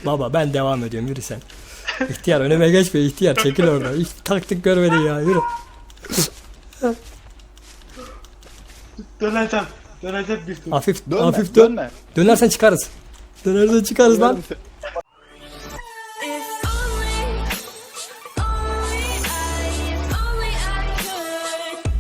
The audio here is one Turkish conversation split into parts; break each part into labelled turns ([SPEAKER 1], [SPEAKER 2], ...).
[SPEAKER 1] Baba ben devam ediyorum, yürü sen. İhtiyar önüme geçme, ihtiyar çekil oradan. Hiç taktik görmedin ya, yürü.
[SPEAKER 2] Döneceğim. Döneceğim bir tur.
[SPEAKER 1] Hafif
[SPEAKER 3] Dönme,
[SPEAKER 1] hafif dön.
[SPEAKER 3] dönme.
[SPEAKER 1] Dönersen çıkarız. Dönersen çıkarız lan.
[SPEAKER 3] Yarım se-
[SPEAKER 4] If only I could.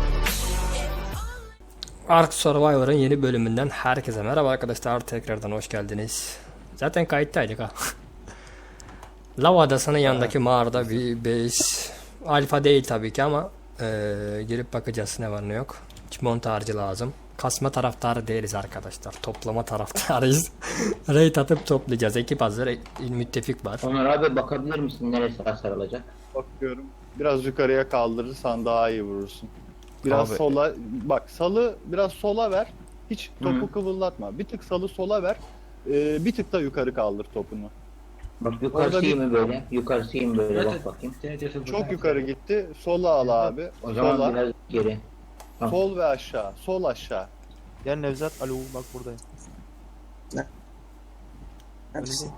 [SPEAKER 1] Ark Survivor'ın yeni bölümünden herkese merhaba arkadaşlar, tekrardan hoş geldiniz. Zaten kayıttaydık ha. Lav Adası'nın yanındaki mağarada bir base. Alfa değil tabii ki ama girip bakacağız ne var ne yok. Hiç montajcı lazım. Kasma taraftarı değiliz arkadaşlar. Toplama taraftarıyız. Raid atıp toplayacağız. Ekip hazır, müttefik var.
[SPEAKER 5] Onur abi bakabilir misin neresi hasar alacak?
[SPEAKER 3] Bakıyorum. Biraz yukarıya kaldırırsan daha iyi vurursun. Biraz
[SPEAKER 1] Abi.
[SPEAKER 3] sola bak, salı biraz sola ver. Hiç topu kıvıldatma. Bir tık salı sola ver. Bir tık da yukarı kaldır topunu.
[SPEAKER 5] Bak
[SPEAKER 3] Orada
[SPEAKER 5] yukarısı iyi
[SPEAKER 3] bir-
[SPEAKER 5] mi böyle? Yukarısı iyi mi böyle
[SPEAKER 2] Evet,
[SPEAKER 5] bak bakayım.
[SPEAKER 3] Çok yukarı gitti. Sola al abi.
[SPEAKER 5] O zaman
[SPEAKER 3] Sola.
[SPEAKER 5] biraz geri.
[SPEAKER 3] Sol ve aşağı. Sol aşağı.
[SPEAKER 6] Gel Nevzat, alo bak buradayım.
[SPEAKER 7] Neredesin?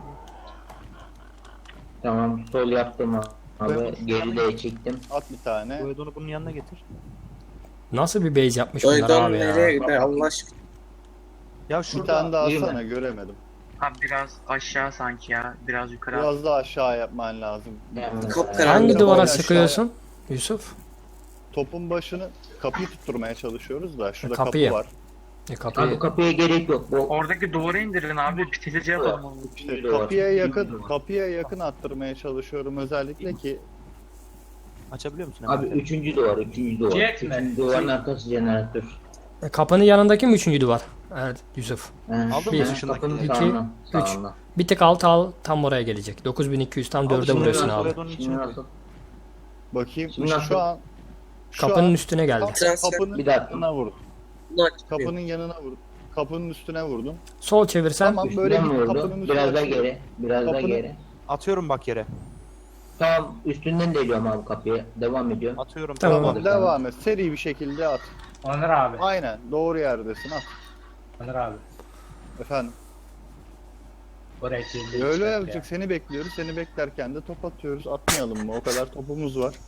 [SPEAKER 5] Tamam sol yaptım abi. Geri de çektim.
[SPEAKER 3] At bir tane.
[SPEAKER 6] Bu Edon'u bunun yanına getir.
[SPEAKER 1] Nasıl bir base yapmış bunlar
[SPEAKER 7] Doydum
[SPEAKER 1] abi ya.
[SPEAKER 7] nereye gider Allah aşkına.
[SPEAKER 6] Ya
[SPEAKER 3] Bir
[SPEAKER 6] şurada
[SPEAKER 3] tane daha
[SPEAKER 5] iyi mi?
[SPEAKER 3] atsana, göremedim.
[SPEAKER 8] Abi biraz aşağı sanki ya. Biraz yukarı.
[SPEAKER 3] Biraz daha aşağı yapman lazım.
[SPEAKER 7] Kapkaranlık.
[SPEAKER 1] Hangi
[SPEAKER 7] Biraz
[SPEAKER 1] duvara
[SPEAKER 3] aşağıya-
[SPEAKER 1] sıkıyorsun Yusuf?
[SPEAKER 3] Topun başını, kapıyı tutturmaya çalışıyoruz da şurada
[SPEAKER 1] Kapıyı.
[SPEAKER 3] kapı var.
[SPEAKER 1] E,
[SPEAKER 5] Abi
[SPEAKER 1] kapıyı.
[SPEAKER 5] kapıya gerek yok. Bu
[SPEAKER 8] Oradaki duvarı indirin abi. Pitelici yapalım onu.
[SPEAKER 3] İşte
[SPEAKER 5] duvar.
[SPEAKER 3] kapıya yakın attırmaya çalışıyorum özellikle ki
[SPEAKER 6] açabiliyor musun?
[SPEAKER 5] Abi üçüncü duvar, üçüncü duvar.
[SPEAKER 2] Jet mi?
[SPEAKER 5] Üçüncü duvarın arkası jeneratör.
[SPEAKER 1] Kapının yanındaki mi üçüncü duvar? Evet Yusuf.
[SPEAKER 6] Aldın
[SPEAKER 1] Bir,
[SPEAKER 6] mı dışındaki?
[SPEAKER 5] Kapının
[SPEAKER 1] iki,
[SPEAKER 5] sağından,
[SPEAKER 1] üç.
[SPEAKER 5] sağından.
[SPEAKER 1] Bir tık alt al, tam oraya gelecek. 9200 tam 4'e
[SPEAKER 6] şimdi
[SPEAKER 1] vuruyorsun
[SPEAKER 6] biraz
[SPEAKER 1] abi.
[SPEAKER 6] Edon'un
[SPEAKER 5] Şimdi
[SPEAKER 6] içine koy.
[SPEAKER 5] nasıl?
[SPEAKER 3] bakayım
[SPEAKER 5] Şimdi nasıl?
[SPEAKER 3] şu
[SPEAKER 1] Kapının
[SPEAKER 3] an
[SPEAKER 1] üstüne geldi.
[SPEAKER 3] kapının
[SPEAKER 5] Bir dakika.
[SPEAKER 3] yanına vurdum.
[SPEAKER 7] Bunu açmıyor.
[SPEAKER 3] Kapının yanına vurdum. Kapının üstüne vurdum.
[SPEAKER 1] Sol çevirsen.
[SPEAKER 3] Tamam, böyle
[SPEAKER 5] Üstüne mi
[SPEAKER 3] git,
[SPEAKER 5] vurdu?
[SPEAKER 3] kapının üstüne
[SPEAKER 5] Biraz daha
[SPEAKER 3] açıyorum.
[SPEAKER 5] geri, biraz daha
[SPEAKER 3] Kapının-
[SPEAKER 5] geri.
[SPEAKER 6] Atıyorum bak yere.
[SPEAKER 5] Tamam üstünden deliyorum abi kapıya. Devam ediyorum.
[SPEAKER 6] Atıyorum.
[SPEAKER 1] Tamam.
[SPEAKER 3] Tamam, devam et. Seri bir şekilde at.
[SPEAKER 2] Onur abi.
[SPEAKER 3] Aynen, doğru yerdesin, at.
[SPEAKER 2] Onur abi.
[SPEAKER 3] Efendim.
[SPEAKER 2] Oraya kirli
[SPEAKER 3] Öyle
[SPEAKER 2] çıkart
[SPEAKER 3] yapacak. Seni bekliyoruz. Seni beklerken de top atıyoruz. Atmayalım mı? O kadar topumuz var.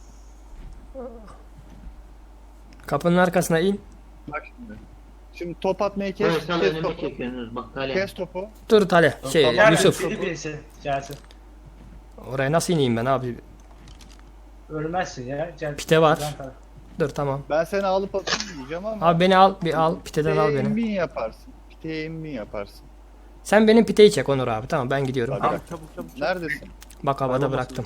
[SPEAKER 1] Kapının arkasına in.
[SPEAKER 3] Bak şimdi. Şimdi top atmayı
[SPEAKER 5] Böyle
[SPEAKER 3] kes.
[SPEAKER 5] sal
[SPEAKER 3] Kes
[SPEAKER 5] önüme
[SPEAKER 3] topu.
[SPEAKER 5] çekiyorsunuz bak Talha.
[SPEAKER 3] Kes topu.
[SPEAKER 1] Dur Tale. Şey
[SPEAKER 2] Ya
[SPEAKER 1] Yusuf.
[SPEAKER 2] birisi. Gelsin.
[SPEAKER 1] Oraya nasıl ineyim ben abi?
[SPEAKER 2] Ölmezsin ya. Gel.
[SPEAKER 1] Pite var.
[SPEAKER 2] Yan taraf.
[SPEAKER 1] Dur tamam.
[SPEAKER 3] Ben seni alıp atayım diyeceğim ama.
[SPEAKER 1] Abi beni al, bir al. Piteden al
[SPEAKER 3] piteye
[SPEAKER 1] beni.
[SPEAKER 3] imbin yaparsın. Piteye imbin yaparsın.
[SPEAKER 1] Sen benim piteyi çek Onur abi. Tamam ben gidiyorum.
[SPEAKER 3] Hadi.
[SPEAKER 6] Çabuk çabuk çabuk.
[SPEAKER 3] Neredesin?
[SPEAKER 1] Bak havada bıraktım.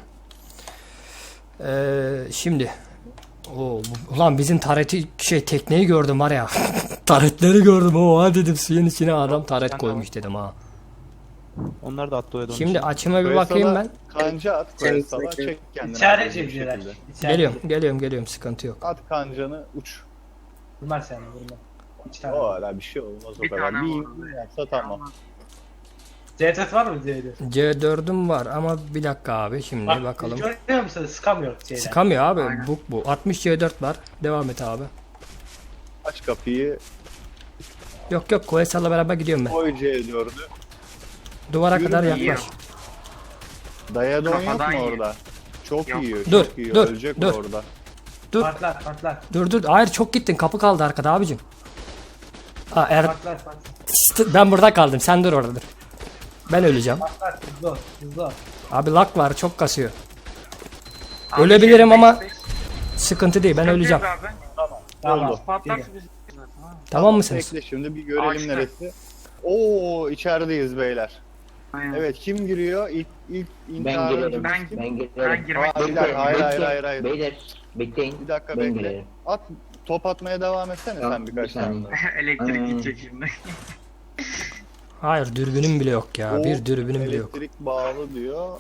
[SPEAKER 1] Şimdi. Ulan bizim tareti tekneyi gördüm var ya. Taretleri gördüm. Oha dedim, suyun içine adam taret koymuş dedim ha.
[SPEAKER 6] Onlar da attı o Edon'un
[SPEAKER 1] Şimdi
[SPEAKER 6] içine.
[SPEAKER 1] açıma bir bakayım ben.
[SPEAKER 3] Kanca at.
[SPEAKER 7] Kendisine
[SPEAKER 3] Koyasala
[SPEAKER 7] çek.
[SPEAKER 3] çek kendini.
[SPEAKER 2] İçeride
[SPEAKER 3] hızlı bir
[SPEAKER 2] cebciler.
[SPEAKER 3] şekilde.
[SPEAKER 1] Geliyorum sıkıntı yok.
[SPEAKER 3] At kancanı uç.
[SPEAKER 2] Vurmaz seni vurmaz. İki tane.
[SPEAKER 3] O ara bir şey olmaz o
[SPEAKER 8] Bir
[SPEAKER 3] kadar.
[SPEAKER 8] tane
[SPEAKER 3] Bir
[SPEAKER 8] vurdu.
[SPEAKER 3] imbin yapsa tamam.
[SPEAKER 2] CTF var mı diye.
[SPEAKER 1] C4'üm var ama bir dakika abi şimdi bakalım.
[SPEAKER 2] Görüyor musun? Sıkamıyor şeyden.
[SPEAKER 1] Sıkamıyor abi.
[SPEAKER 8] Aynen.
[SPEAKER 1] Bu 60 C4 var. Devam et abi.
[SPEAKER 3] Aç kapıyı.
[SPEAKER 1] Yok Koysal'la beraber gidiyorum ben.
[SPEAKER 3] Koy C4'ü.
[SPEAKER 1] Duvara
[SPEAKER 3] Yürü,
[SPEAKER 1] kadar
[SPEAKER 3] yiyor.
[SPEAKER 1] yaklaş.
[SPEAKER 3] Dayadon yok
[SPEAKER 8] Kafadan
[SPEAKER 3] mu
[SPEAKER 8] yiyor.
[SPEAKER 3] orada? Çok
[SPEAKER 8] Yok.
[SPEAKER 3] yiyor.
[SPEAKER 1] Dur,
[SPEAKER 3] Çok yiyor.
[SPEAKER 1] dur,
[SPEAKER 3] Ölecek
[SPEAKER 1] dur.
[SPEAKER 3] orada.
[SPEAKER 2] Patlar.
[SPEAKER 1] Dur. Hayır çok gittin. Kapı kaldı arkada abicim.
[SPEAKER 2] Patlar.
[SPEAKER 1] Ben burada kaldım. Sen dur orada dur. Ben öleceğim.
[SPEAKER 2] Patlar. Hızlı ol.
[SPEAKER 1] Abi lag var. Çok kasıyor.
[SPEAKER 8] Abi,
[SPEAKER 1] Ölebilirim
[SPEAKER 8] şey,
[SPEAKER 1] ama
[SPEAKER 8] beş-
[SPEAKER 1] sıkıntı değil. Ben öleceğim.
[SPEAKER 8] Abi.
[SPEAKER 2] Tamam.
[SPEAKER 3] Oldu.
[SPEAKER 8] Patlarsa
[SPEAKER 2] Geliyor.
[SPEAKER 8] biz.
[SPEAKER 1] Tamam mısınız?
[SPEAKER 3] Bekle şimdi bir görelim
[SPEAKER 8] Açtı.
[SPEAKER 3] neresi. Oo, içerideyiz beyler.
[SPEAKER 8] Aynen.
[SPEAKER 3] Evet, kim giriyor? İlk
[SPEAKER 5] Ben
[SPEAKER 3] intihar
[SPEAKER 5] girerim.
[SPEAKER 3] öncesi
[SPEAKER 8] Ben-
[SPEAKER 3] kim?
[SPEAKER 5] Ben girerim.
[SPEAKER 8] Ben girmek
[SPEAKER 3] Hayır,
[SPEAKER 8] istiyorum.
[SPEAKER 3] hayır.
[SPEAKER 5] Beyler bekleyin.
[SPEAKER 3] Bir dakika
[SPEAKER 5] Ben
[SPEAKER 3] bekle.
[SPEAKER 5] girerim.
[SPEAKER 3] At, top atmaya devam etsene
[SPEAKER 5] Tamam,
[SPEAKER 3] sen birkaç
[SPEAKER 5] bir saniye.
[SPEAKER 3] tane.
[SPEAKER 8] Elektrik gidecek şimdi.
[SPEAKER 1] Hayır dürbünüm bile yok ya.
[SPEAKER 3] O
[SPEAKER 1] Bir dürbünüm bile yok.
[SPEAKER 3] elektrik bağlı diyor.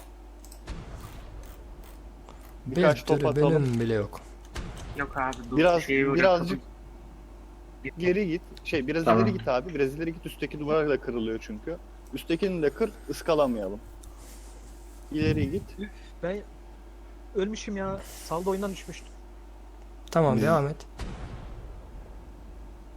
[SPEAKER 1] Bir
[SPEAKER 3] Birkaç top atalım.
[SPEAKER 1] dürbünüm bile yok.
[SPEAKER 8] Yok abi dur.
[SPEAKER 3] Birazcık geri git. Biraz
[SPEAKER 5] Tamam.
[SPEAKER 3] ileri git abi. Biraz ileri git. Üstteki duvar da kırılıyor çünkü. Üsttekini de kır, ıskalamayalım. İleri git.
[SPEAKER 6] Ben ölmüşüm ya. Salda oyundan düşmüştüm.
[SPEAKER 1] Tamam devam et.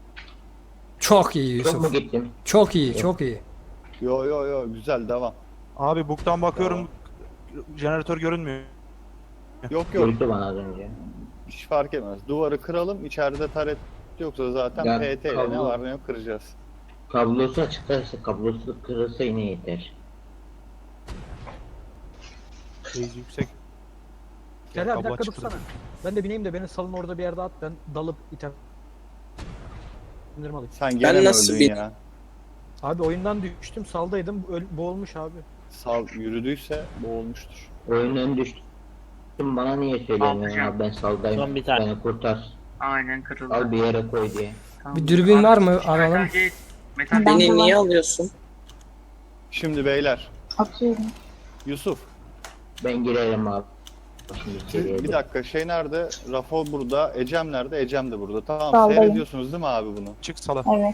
[SPEAKER 1] Çok iyi
[SPEAKER 5] Çok mu
[SPEAKER 1] Yusuf.
[SPEAKER 5] gittim?
[SPEAKER 1] Çok iyi.
[SPEAKER 3] Yo güzel devam.
[SPEAKER 6] Abi buktan bakıyorum. Jeneratör görünmüyor.
[SPEAKER 3] Yok yok.
[SPEAKER 5] Görüktü bana az önce.
[SPEAKER 3] Hiç fark etmez. Duvarı kıralım. İçeride taret yoksa zaten
[SPEAKER 5] Ya,
[SPEAKER 3] PT ile ne
[SPEAKER 5] kablo-
[SPEAKER 3] var ne yok kıracağız.
[SPEAKER 5] Kablosu açıklarsa, kablosu kırılsa yine yeter.
[SPEAKER 6] Base yüksek.
[SPEAKER 4] Gel abi bir
[SPEAKER 6] Kablo
[SPEAKER 4] dakika
[SPEAKER 6] açıktır.
[SPEAKER 4] dursana. Ben de bineyim de beni salın orada bir yerde at, ben dalıp iter. İndirim alayım.
[SPEAKER 3] Sen gene mi
[SPEAKER 7] nasıl
[SPEAKER 3] öldün
[SPEAKER 7] bir-
[SPEAKER 3] ya?
[SPEAKER 4] Abi oyundan düştüm, saldaydım, boğulmuş abi.
[SPEAKER 3] Sal yürüdüyse boğulmuştur.
[SPEAKER 5] Oyundan düştüm. Bana niye söylemiyorsun
[SPEAKER 8] Alacağım.
[SPEAKER 5] abi ben saldayım.
[SPEAKER 9] Son bir tane.
[SPEAKER 5] Beni kurtar.
[SPEAKER 8] Aynen kırıldı.
[SPEAKER 5] Al bir yere koy diye.
[SPEAKER 8] Tamam.
[SPEAKER 1] Bir dürbün var mı?
[SPEAKER 8] Metal
[SPEAKER 1] Aralım.
[SPEAKER 8] gate- Metal
[SPEAKER 7] Beni niye alıyorsun?
[SPEAKER 3] Şimdi beyler.
[SPEAKER 10] Atıyorum.
[SPEAKER 3] Yusuf.
[SPEAKER 5] Ben girerim abi. Şimdi içeriye
[SPEAKER 3] Bir
[SPEAKER 5] de.
[SPEAKER 3] dakika şey nerede? Rafo burada. Ecem nerede? Ecem de burada. Tamam
[SPEAKER 10] Saldayım.
[SPEAKER 3] seyrediyorsunuz değil mi abi bunu?
[SPEAKER 6] Çık sala.
[SPEAKER 10] Evet.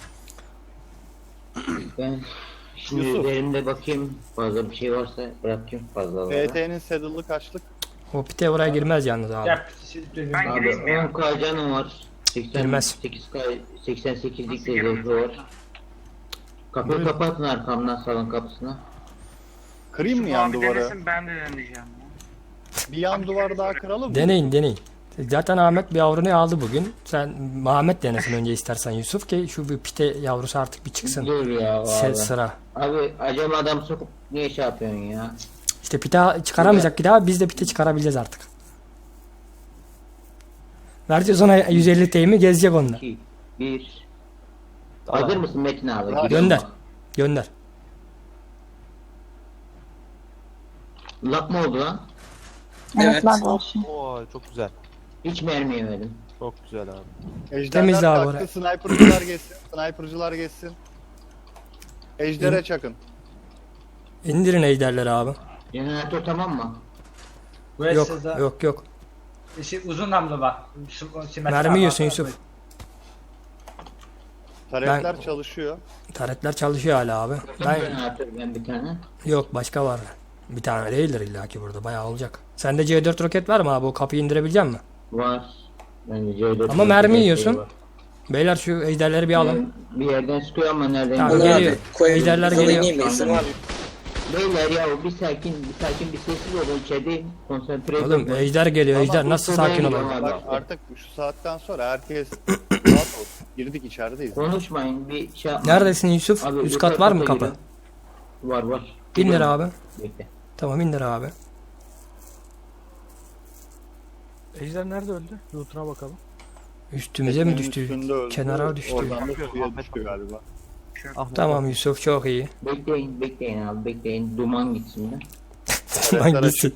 [SPEAKER 5] Ben şimdi
[SPEAKER 3] Yusuf.
[SPEAKER 5] üzerimde bakayım. Fazla bir şey varsa bırakayım fazlaları.
[SPEAKER 3] PT'nin saddle'ı kaçlık?
[SPEAKER 1] O pite oraya girmez yalnız abi.
[SPEAKER 2] Yap. Dürbün.
[SPEAKER 8] Ben
[SPEAKER 5] Abi
[SPEAKER 8] gireyim mi ya?
[SPEAKER 5] 10k canım var.
[SPEAKER 1] Girmez.
[SPEAKER 5] 88'lik
[SPEAKER 8] Nasıl
[SPEAKER 5] de
[SPEAKER 8] girmez?
[SPEAKER 5] zırhı var. Kapıyı kapatın arkamdan salon kapısına.
[SPEAKER 3] Kırayım mı
[SPEAKER 8] Şu
[SPEAKER 3] yan
[SPEAKER 8] abi
[SPEAKER 3] duvarı?
[SPEAKER 8] denesin, ben de deneyeceğim ya.
[SPEAKER 3] Bir yan duvar daha kıralım mı?
[SPEAKER 1] Deneyin. Zaten Ahmet bir yavrunu aldı bugün. Sen Ahmet denesin önce istersen Yusuf ki şu bir pite yavrusu artık bir çıksın.
[SPEAKER 5] Dur ya abi.
[SPEAKER 1] Sıra.
[SPEAKER 5] Abi acaba adam sokup niye şey yapıyorsun ya?
[SPEAKER 1] İşte pite çıkaramayacak bir daha, biz de pite çıkarabileceğiz artık. Vereceğiz ona 150 teyimi, gezecek onunla.
[SPEAKER 5] 2, 1. Hazır mısın Metin abi?
[SPEAKER 3] Hadi.
[SPEAKER 5] Gidiyorum
[SPEAKER 1] Gönder.
[SPEAKER 5] bak.
[SPEAKER 1] Gönder.
[SPEAKER 5] Lap mı oldu lan?
[SPEAKER 10] Evet,
[SPEAKER 7] Evet.
[SPEAKER 10] lag var şimdi.
[SPEAKER 6] Oo çok güzel.
[SPEAKER 5] Hiç mermi yemedim.
[SPEAKER 6] Çok güzel abi.
[SPEAKER 3] Ejderler
[SPEAKER 1] Temizle abi
[SPEAKER 3] kalktı,
[SPEAKER 1] orayı.
[SPEAKER 3] sniper'cılar geçsin. Sniper'cılar geçsin. Ejder'e çakın.
[SPEAKER 1] İndirin ejderleri abi.
[SPEAKER 5] Jeneratör tamam mı?
[SPEAKER 2] Burası da
[SPEAKER 1] Yok.
[SPEAKER 2] uzun namlu var.
[SPEAKER 1] Mermi yiyorsun Yusuf.
[SPEAKER 3] Taretler çalışıyor.
[SPEAKER 1] Taretler çalışıyor hala abi.
[SPEAKER 5] Jeneratör ben bir tane.
[SPEAKER 1] Yok başka var. Bir tane değildir illaki burada, bayağı olacak. Sende C4 roket var mı abi, o kapıyı indirebilecek misin?
[SPEAKER 5] Var. Ben de C4
[SPEAKER 1] Ama mermi
[SPEAKER 5] şey
[SPEAKER 1] yiyorsun.
[SPEAKER 5] var.
[SPEAKER 1] Beyler şu ejderleri bir alın.
[SPEAKER 5] Bir yerden sıkıyor ama nereden?
[SPEAKER 1] Tamam,
[SPEAKER 7] Onu
[SPEAKER 1] geliyor.
[SPEAKER 7] abi koyalım.
[SPEAKER 1] Ejderler
[SPEAKER 7] Alayım
[SPEAKER 1] geliyor.
[SPEAKER 7] mı? İzin var mı?
[SPEAKER 5] Beyler ya bir sakin bir sessiz olun içerideyim. Konsantre
[SPEAKER 1] Oğlum
[SPEAKER 5] olun.
[SPEAKER 1] ejder geliyor,
[SPEAKER 3] Ama
[SPEAKER 1] ejder
[SPEAKER 3] bu
[SPEAKER 1] nasıl
[SPEAKER 5] sıraya
[SPEAKER 1] sakin
[SPEAKER 5] gidiyor
[SPEAKER 1] olalım?
[SPEAKER 5] abi.
[SPEAKER 3] Bak artık şu saatten sonra herkes rahat olsun. Girdik içerideyiz.
[SPEAKER 5] Konuşmayın bir şey yapmayın.
[SPEAKER 1] Neredesin Yusuf?
[SPEAKER 5] Abi,
[SPEAKER 1] Üst
[SPEAKER 5] yukarı
[SPEAKER 1] kat var mı
[SPEAKER 5] kata
[SPEAKER 1] kapı?
[SPEAKER 5] girin. Var.
[SPEAKER 1] İndir abi.
[SPEAKER 5] Bekle.
[SPEAKER 1] Tamam indir abi.
[SPEAKER 4] Ejder nerede öldü? Loot'una bakalım.
[SPEAKER 1] Üstümüze mi
[SPEAKER 3] Teknenin
[SPEAKER 1] düştü?
[SPEAKER 3] üstünde öldü.
[SPEAKER 1] Kenara düştü.
[SPEAKER 3] Oradan da suya düştü galiba.
[SPEAKER 1] Tamam Yusuf, çok iyi.
[SPEAKER 5] Bekleyin abi bekleyin. Duman gitsin de.
[SPEAKER 1] Lan gitsin.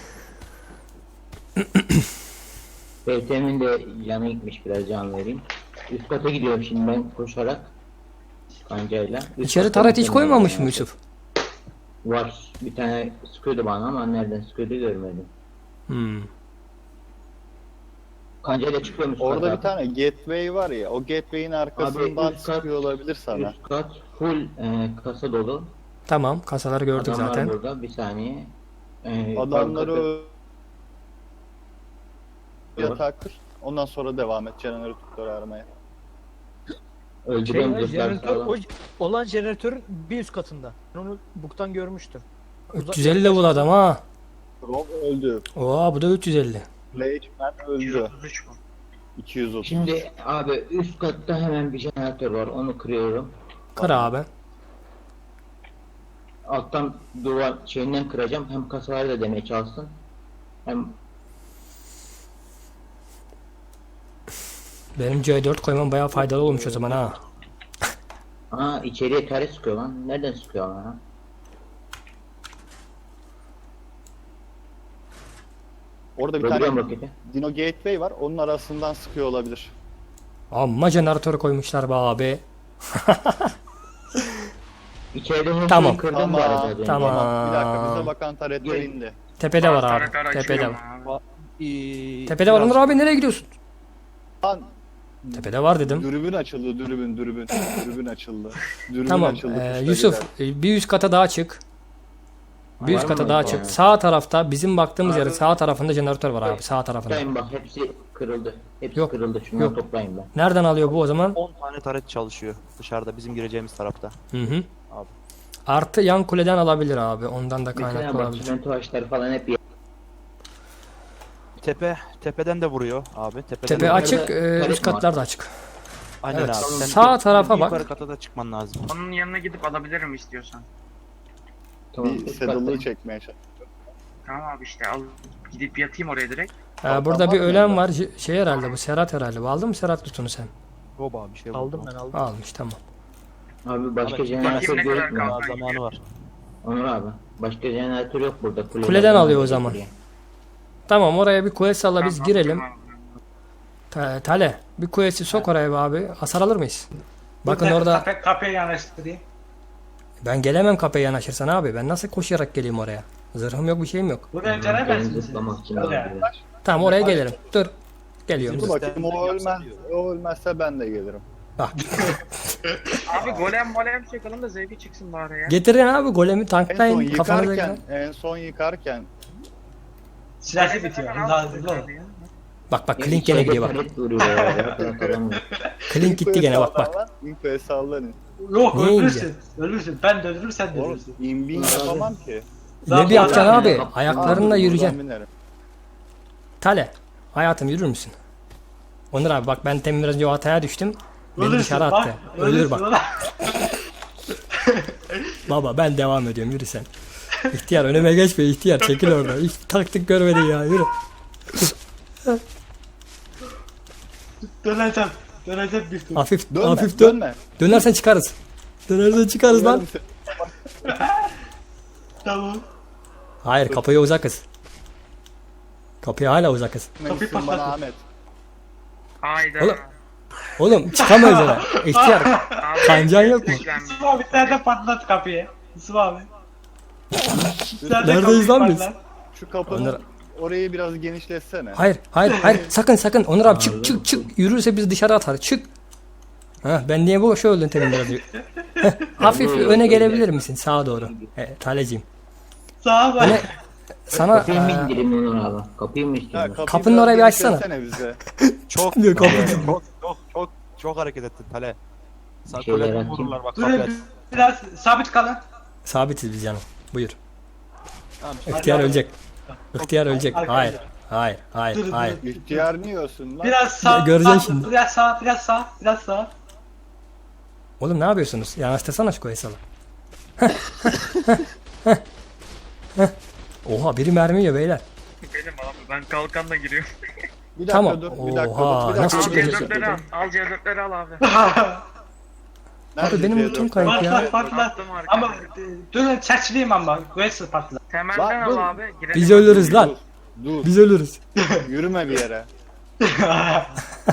[SPEAKER 5] BTM'in de yanı gitmiş, biraz can vereyim. Üst kata gidiyorum şimdi ben koşarak. Kancayla. Üst
[SPEAKER 1] İçeri
[SPEAKER 5] kata
[SPEAKER 1] taret hiç
[SPEAKER 5] gittim
[SPEAKER 1] koymamış
[SPEAKER 5] ben.
[SPEAKER 1] mı Yusuf?
[SPEAKER 5] Var. Bir tane sıkıyordu bana ama nereden sıkıyordu görmedim. Kancayla çıkıyorum üst
[SPEAKER 3] Orada
[SPEAKER 5] kata.
[SPEAKER 3] bir tane gateway var ya. O gateway'in arkasından
[SPEAKER 5] üst kat-
[SPEAKER 3] sıkıyor olabilir sana.
[SPEAKER 5] Üst kat full kasa dolu.
[SPEAKER 1] Tamam, kasaları gördük
[SPEAKER 5] Adamlar
[SPEAKER 1] zaten.
[SPEAKER 5] burada bir saniye.
[SPEAKER 3] Adamları
[SPEAKER 5] Var.
[SPEAKER 3] yatağa kır. Ondan sonra devam et jeneratörü aramaya.
[SPEAKER 5] Öldürüyorum zırhlar
[SPEAKER 4] Jeneratör,
[SPEAKER 5] sağlam.
[SPEAKER 4] olan jeneratörün bir üst katında. Ben onu buktan görmüştüm.
[SPEAKER 1] 350 level adam ha.
[SPEAKER 3] Rob öldü.
[SPEAKER 1] Oo bu da 350.
[SPEAKER 3] Leachman öldü.
[SPEAKER 8] 133 mu?
[SPEAKER 3] 230.
[SPEAKER 5] Şimdi abi üst katta hemen bir jeneratör var, onu kırıyorum.
[SPEAKER 1] Kır abi.
[SPEAKER 5] Alttan duvar şeyinden kıracağım, hem kasaları da demeye çalışsın. Hem
[SPEAKER 1] Benim C4 koymam bayağı faydalı olmuş o zaman ha.
[SPEAKER 5] içeriye taret sıkıyor lan. Nereden sıkıyor lan?
[SPEAKER 3] Orada bir
[SPEAKER 5] Öldürüyorum
[SPEAKER 3] tane
[SPEAKER 5] roketi.
[SPEAKER 3] Dino Gateway var. Onun arasından sıkıyor olabilir.
[SPEAKER 1] Amma jeneratör koymuşlar be abi.
[SPEAKER 5] İçeride her
[SPEAKER 1] Tamam.
[SPEAKER 5] şeyi kırdım bu arada. az önce.
[SPEAKER 1] Tamam.
[SPEAKER 3] Bir dakika bize bakan taretler indi.
[SPEAKER 1] Tepede var abi.
[SPEAKER 8] Taretler
[SPEAKER 1] Tepede
[SPEAKER 8] açıyorum
[SPEAKER 1] var.
[SPEAKER 8] abi.
[SPEAKER 1] Tepede var Onur abi, nereye gidiyorsun?
[SPEAKER 3] Lan
[SPEAKER 1] Tepede var dedim.
[SPEAKER 3] dürbün açıldı dürbün. Dürbün açıldı. Dürbün
[SPEAKER 1] Tamam.
[SPEAKER 3] açıldı. kuşla
[SPEAKER 1] Yusuf
[SPEAKER 3] gider.
[SPEAKER 1] bir üst kata daha çık. Bir
[SPEAKER 5] Var
[SPEAKER 1] üst kata
[SPEAKER 5] mı?
[SPEAKER 1] daha
[SPEAKER 5] Yani.
[SPEAKER 1] çık. Sağ tarafta bizim baktığımız
[SPEAKER 5] Abi-
[SPEAKER 1] yerin sağ tarafında jeneratör var abi, sağ tarafında.
[SPEAKER 5] Toplayın bak, hepsi kırıldı. Hepsi
[SPEAKER 1] Yok,
[SPEAKER 5] kırıldı. Şunları
[SPEAKER 1] yok.
[SPEAKER 5] toplayın ben.
[SPEAKER 1] Nereden alıyor bu o zaman?
[SPEAKER 6] 10 tane taret çalışıyor dışarıda bizim gireceğimiz tarafta.
[SPEAKER 1] Hı hı.
[SPEAKER 6] Abi.
[SPEAKER 1] Artı yan kuleden alabilir abi. Ondan da
[SPEAKER 5] Mesela
[SPEAKER 1] kaynaklı
[SPEAKER 5] bak
[SPEAKER 1] olabilir.
[SPEAKER 5] çimento ağaçları falan hep
[SPEAKER 6] Tepeden de vuruyor abi. Tepeden
[SPEAKER 1] Tepe
[SPEAKER 6] de vuruyor.
[SPEAKER 1] açık,
[SPEAKER 5] Yukarıda
[SPEAKER 1] üst katlar da açık.
[SPEAKER 6] Aynen
[SPEAKER 1] Evet.
[SPEAKER 6] abi. Sen
[SPEAKER 1] Sağ tarafa bak.
[SPEAKER 6] Yukarı kata da çıkman lazım.
[SPEAKER 8] Onun yanına gidip alabilirim istiyorsan.
[SPEAKER 5] tamam.
[SPEAKER 3] Bir
[SPEAKER 5] üst
[SPEAKER 3] saddle'lığı
[SPEAKER 5] katta.
[SPEAKER 3] çekmeye çalış.
[SPEAKER 8] Tamam abi işte al. Gidip yatayım oraya direkt.
[SPEAKER 1] Burada bir
[SPEAKER 3] Tamam,
[SPEAKER 1] ölen
[SPEAKER 3] evet.
[SPEAKER 1] var. Şey herhalde bu. Serhat herhalde. Aldın mı Serhat lootunu sen?
[SPEAKER 6] Yok abi bir şey
[SPEAKER 4] Aldım ben aldım.
[SPEAKER 1] Almış tamam.
[SPEAKER 5] Abi başka
[SPEAKER 6] Abi,
[SPEAKER 5] jeneratör
[SPEAKER 8] bakayım ne kadar
[SPEAKER 5] gözükmüyor.
[SPEAKER 8] kaldı.
[SPEAKER 6] Daha zamanı var.
[SPEAKER 5] Onur abi. Başka jeneratör yok burada.
[SPEAKER 1] Kuleden alıyor o zaman. Tamam oraya bir quest salla biz
[SPEAKER 8] Tamam,
[SPEAKER 1] girelim.
[SPEAKER 8] tamam.
[SPEAKER 1] Tale bir quest'i sok oraya be abi. Hasar alır mıyız? Bakın
[SPEAKER 2] Burada
[SPEAKER 1] orada
[SPEAKER 2] kapıya yanaştırayım.
[SPEAKER 1] ben gelemem kapıya yanaşırsan abi. Ben nasıl koşarak geleyim oraya? Zırhım yok bir şeyim yok.
[SPEAKER 2] Buraya
[SPEAKER 5] Ben
[SPEAKER 2] gelemezsin.
[SPEAKER 5] zıplamak için
[SPEAKER 2] Buraya.
[SPEAKER 5] abi.
[SPEAKER 1] Tamam oraya gelirim. Dur. Geliyorum.
[SPEAKER 3] Dur
[SPEAKER 1] Dur.
[SPEAKER 3] bakayım o ölmezse ben de gelirim.
[SPEAKER 1] Bak.
[SPEAKER 8] Abi golem çekelim de zevki çıksın bari ya.
[SPEAKER 1] Getirin abi golemi
[SPEAKER 3] En son
[SPEAKER 1] tanklayın kafanıza
[SPEAKER 3] yıkarken,
[SPEAKER 1] göre.
[SPEAKER 3] en son yıkarken
[SPEAKER 2] Silahı bitiyor. Daha hızlı ol.
[SPEAKER 1] Bak Klink gene gidiyor bak.
[SPEAKER 5] Taret vuruyor ya. Bırak adamı.
[SPEAKER 1] Klink gitti gene bak bak.
[SPEAKER 3] İnfoya sallanın.
[SPEAKER 2] Yok
[SPEAKER 1] Niye
[SPEAKER 2] ölürsün. Ölürsün. Ben de ölürüm sen de
[SPEAKER 3] Oğlum
[SPEAKER 2] ölürsün.
[SPEAKER 3] imbin yapamam ki.
[SPEAKER 1] Ne bir yapacaksın abi?
[SPEAKER 5] Abi,
[SPEAKER 1] Ayaklarınla
[SPEAKER 3] Buradan
[SPEAKER 1] yürüyeceksin.
[SPEAKER 3] binerim.
[SPEAKER 1] Tale. Hayatım yürür müsün? Onur abi bak ben temin biraz önce o hataya düştüm. Beni
[SPEAKER 2] Ölürsün,
[SPEAKER 1] dışarı
[SPEAKER 2] bak,
[SPEAKER 1] attı. Ölür bak.
[SPEAKER 2] ulan.
[SPEAKER 1] Baba ben devam ediyorum yürü sen. İhtiyar önüme geçme ihtiyar çekil orada. Hiç taktik görmedin ya yürü.
[SPEAKER 2] Döneceğim. Döneceğim bir tur.
[SPEAKER 1] Hafif
[SPEAKER 3] Dönme,
[SPEAKER 1] hafif dön.
[SPEAKER 3] dönme.
[SPEAKER 1] Dönersen çıkarız. Dönersen çıkarız lan.
[SPEAKER 2] Tamam.
[SPEAKER 1] Hayır kapıya uzakız. Kapıya hala uzakız.
[SPEAKER 2] Kapıyı
[SPEAKER 3] Bana
[SPEAKER 2] patlatın.
[SPEAKER 3] Ahmet.
[SPEAKER 8] Hayda.
[SPEAKER 1] Oğlum. Oğlum çıkamayız oraya. İhtiyar.
[SPEAKER 8] Abi,
[SPEAKER 1] Kancan yok mu?
[SPEAKER 8] beklenmiyor.
[SPEAKER 2] Yusuf abi nerede patlat kapıyı? Yusuf abi. Nerede
[SPEAKER 1] Neredeyiz
[SPEAKER 2] kapıyı
[SPEAKER 1] lan biz?
[SPEAKER 2] patlat?
[SPEAKER 3] Şu kapının
[SPEAKER 1] Onur-
[SPEAKER 3] orayı biraz genişletsene.
[SPEAKER 1] Hayır sakın Onur abi çık yürürse bizi dışarı atar çık. Ben niye bu şey öldün temin biraz önce? Hafif öne gelebilir misin sağa doğru? Taleciğim.
[SPEAKER 2] Sağa bak.
[SPEAKER 1] Öne sana
[SPEAKER 5] Kapıyı mı indireyim Onur abi? Kapıyı mı istiyorsun?
[SPEAKER 3] kapıyı
[SPEAKER 1] Kapının
[SPEAKER 3] biraz
[SPEAKER 1] orayı bir açsana.
[SPEAKER 3] genişletsene bize.
[SPEAKER 6] Çok
[SPEAKER 1] Diyor, kapı-
[SPEAKER 6] çok hareket ettin Tale. Sen
[SPEAKER 5] Şeyler
[SPEAKER 6] kuleden
[SPEAKER 5] atayım.
[SPEAKER 6] vururlar bak kapıyı aç.
[SPEAKER 2] Durun biraz sabit kalın.
[SPEAKER 1] sabitiz biz canım. Buyur.
[SPEAKER 6] Tamam,
[SPEAKER 1] İhtiyar ölecek. İhtiyar ölecek.
[SPEAKER 2] Arkadaşlar.
[SPEAKER 1] Hayır.
[SPEAKER 2] Dur.
[SPEAKER 3] İhtiyar niye ölsün lan?
[SPEAKER 2] Biraz sağ.
[SPEAKER 1] Göreceksin
[SPEAKER 2] sağ,
[SPEAKER 1] şimdi.
[SPEAKER 2] Biraz sağ.
[SPEAKER 1] Oğlum ne yapıyorsunuz? Yanaştırsana şu koyu salı. Oha biri mermi yiyor beyler.
[SPEAKER 8] Benim abi ben kalkanla giriyorum.
[SPEAKER 3] Bir dakika
[SPEAKER 1] Tamam.
[SPEAKER 3] dur, bir dakika
[SPEAKER 1] Oha,
[SPEAKER 3] dur, bir
[SPEAKER 1] nasıl
[SPEAKER 3] dakika.
[SPEAKER 8] Al
[SPEAKER 1] çıkacağız?
[SPEAKER 8] C4'leri al. Al C4'leri al abi.
[SPEAKER 3] Nerede
[SPEAKER 1] Abi benim
[SPEAKER 3] C4?
[SPEAKER 1] lootum kayıp ya.
[SPEAKER 2] Patlat.
[SPEAKER 8] Attım arkaya.
[SPEAKER 2] Ama durun çerçileyim ama. Güvensiz patlat.
[SPEAKER 8] Temelden
[SPEAKER 3] Bak, dur.
[SPEAKER 8] al abi. Girelim.
[SPEAKER 1] Biz ölürüz lan.
[SPEAKER 3] Dur,
[SPEAKER 1] Biz ölürüz.
[SPEAKER 3] yürüme bir yere.
[SPEAKER 8] Abi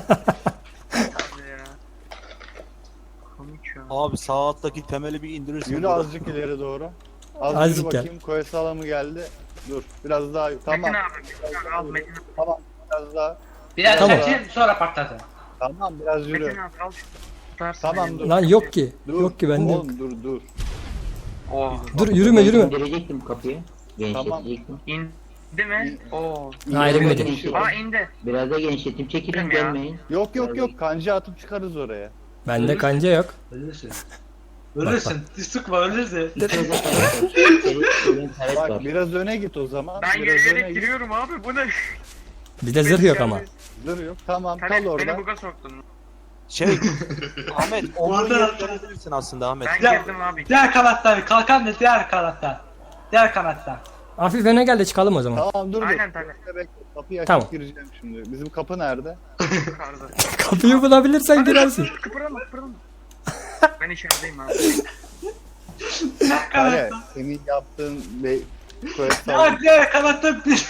[SPEAKER 8] ya. Komik ya.
[SPEAKER 6] Abi sağ alttaki temeli bir indirirsin.
[SPEAKER 3] Yürü azıcık ileri doğru. Az
[SPEAKER 1] Azıcık
[SPEAKER 3] yürü
[SPEAKER 1] gel.
[SPEAKER 3] bakayım. Koyu salamı geldi. Dur, biraz daha. Tamam,
[SPEAKER 8] Metin abi. Metin abi al Metin.
[SPEAKER 3] tamam. Biraz daha.
[SPEAKER 2] Biraz
[SPEAKER 1] Tamam.
[SPEAKER 2] çerçileyim sonra patlatın.
[SPEAKER 3] Tamam, biraz yürü.
[SPEAKER 8] Metin abi al. Tutarsın
[SPEAKER 3] Tamam,
[SPEAKER 8] beni.
[SPEAKER 3] dur.
[SPEAKER 1] Lan yok ki.
[SPEAKER 3] Dur.
[SPEAKER 1] Yok ki bende yok.
[SPEAKER 3] Oğlum dur.
[SPEAKER 8] Oh.
[SPEAKER 1] Dur yürüme.
[SPEAKER 5] İndirecektim kapıyı.
[SPEAKER 3] Tamam.
[SPEAKER 5] Genişletecektim.
[SPEAKER 8] İndi mi? Oo.
[SPEAKER 1] Hayır,
[SPEAKER 5] Biraz
[SPEAKER 1] inmedi.
[SPEAKER 5] da genişleteyim.
[SPEAKER 8] Aa indi.
[SPEAKER 5] Biraz da genişleteyim. Çekilin
[SPEAKER 8] Değil mi ya?
[SPEAKER 5] gelmeyin.
[SPEAKER 3] Yok. Kanca atıp çıkarız oraya.
[SPEAKER 1] Bende kanca yok.
[SPEAKER 2] Ölürsün. Ölürsün. Sıkma ölürsün.
[SPEAKER 5] İçeride taret var.
[SPEAKER 3] Bak biraz öne git o zaman.
[SPEAKER 8] Ben
[SPEAKER 3] biraz öne
[SPEAKER 8] yürüyerek
[SPEAKER 3] git.
[SPEAKER 8] giriyorum abi bu ne?
[SPEAKER 1] Bizde zırh yok ama.
[SPEAKER 3] Dur yok. Tamam,
[SPEAKER 8] Sen
[SPEAKER 3] kal
[SPEAKER 8] beni
[SPEAKER 3] orada.
[SPEAKER 8] buga soktun.
[SPEAKER 6] Şey Ahmet olduğun
[SPEAKER 2] Orada-
[SPEAKER 6] yere dönebilirsin aslında Ahmet.
[SPEAKER 8] Ben
[SPEAKER 2] Ya-
[SPEAKER 8] girdim abi.
[SPEAKER 2] Diğer kanattan. Kalkan da diğer kanattan. Diğer kanattan.
[SPEAKER 1] Hafif öne gel de çıkalım o zaman.
[SPEAKER 3] Tamam dur.
[SPEAKER 8] Aynen
[SPEAKER 3] dur.
[SPEAKER 8] tabii.
[SPEAKER 3] Bekle, kapıyı açıp
[SPEAKER 1] Tamam.
[SPEAKER 3] gireceğim şimdi. Bizim kapı nerede?
[SPEAKER 8] Yukarıda.
[SPEAKER 1] Kapıyı bulabilirsen girersin.
[SPEAKER 8] Kıpırama. Ben içerideyim abi.
[SPEAKER 2] Diğer
[SPEAKER 3] Hayır,
[SPEAKER 2] kanattan.
[SPEAKER 3] senin yaptığın ve koyu
[SPEAKER 2] Ya
[SPEAKER 3] salamı.
[SPEAKER 2] diğer kanattan bir.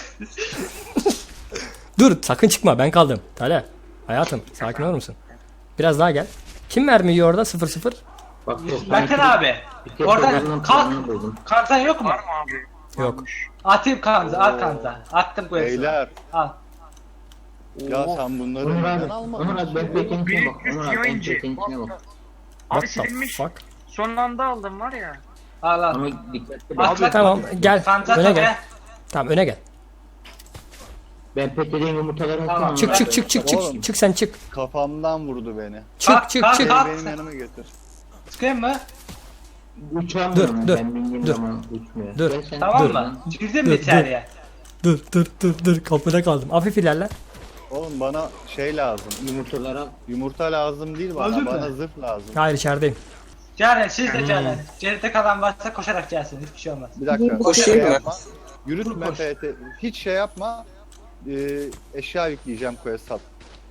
[SPEAKER 1] Dur sakın çıkma ben kaldım. Tale. Hayatım sakin olur musun? Biraz daha gel. Kim mermi yiyor orada 0-0?
[SPEAKER 5] Bak
[SPEAKER 2] Metin abi. Oradan kalk.
[SPEAKER 5] buldum.
[SPEAKER 2] Kanzan yok mu?
[SPEAKER 8] Var mı abi?
[SPEAKER 1] Yok.
[SPEAKER 2] Atayım kanza. Al kanza. Attım bu hepsini.
[SPEAKER 3] Beyler.
[SPEAKER 2] Al.
[SPEAKER 3] Ya sen bunları
[SPEAKER 5] Onur
[SPEAKER 3] neden
[SPEAKER 5] abi.
[SPEAKER 3] almadın?
[SPEAKER 5] Onur abi ben peteğin içine bak.
[SPEAKER 8] 1300
[SPEAKER 5] Onur abi ben
[SPEAKER 8] yayıncı.
[SPEAKER 5] peteğin içine bak.
[SPEAKER 8] Abi
[SPEAKER 1] What the
[SPEAKER 8] silinmiş.
[SPEAKER 1] fuck?
[SPEAKER 8] Son anda aldım var ya.
[SPEAKER 2] Al al.
[SPEAKER 5] Ama dikkatli bak.
[SPEAKER 2] Atla.
[SPEAKER 1] Tamam gel.
[SPEAKER 2] Kanza
[SPEAKER 1] Öne
[SPEAKER 2] tabii.
[SPEAKER 1] gel. Tamam öne gel.
[SPEAKER 5] Ben peteğin yumurtalarını
[SPEAKER 2] Tamam.
[SPEAKER 5] atsana.
[SPEAKER 1] Çık çık çık çık çık.
[SPEAKER 3] Oğlum.
[SPEAKER 1] Çık sen çık.
[SPEAKER 3] Kafamdan vurdu beni.
[SPEAKER 1] Çık
[SPEAKER 2] Kalk,
[SPEAKER 1] çık
[SPEAKER 2] kalk,
[SPEAKER 1] çık.
[SPEAKER 2] kalk.
[SPEAKER 3] Benim yanıma götür.
[SPEAKER 2] Çıkayım mı?
[SPEAKER 5] Uçamıyorum
[SPEAKER 1] Dur,
[SPEAKER 5] ben bindiğim
[SPEAKER 1] dur,
[SPEAKER 5] zaman uçmuyor.
[SPEAKER 1] dur.
[SPEAKER 5] Gel sen
[SPEAKER 2] Tamam
[SPEAKER 5] dur
[SPEAKER 2] mı?
[SPEAKER 5] lan.
[SPEAKER 2] Girdin
[SPEAKER 1] Dur,
[SPEAKER 2] mi içeriye?
[SPEAKER 1] Dur kapıda kaldım. Hafif ilerle.
[SPEAKER 3] Oğlum bana şey lazım.
[SPEAKER 5] Yumurtaları al.
[SPEAKER 3] Yumurta lazım değil bana.
[SPEAKER 2] Öldün mü?
[SPEAKER 3] Bana zırh lazım.
[SPEAKER 1] Hayır içerideyim.
[SPEAKER 2] Ceren siz de Ceren. Geride kalan varsa koşarak gelsin. Hiçbir şey olmaz.
[SPEAKER 3] Bir dakika.
[SPEAKER 7] Koşayım
[SPEAKER 3] şey
[SPEAKER 7] mı?
[SPEAKER 3] yapma. Yürütme
[SPEAKER 2] Koş.
[SPEAKER 3] FT. Hiç şey yapma. Eşya yükleyeceğim quest sat.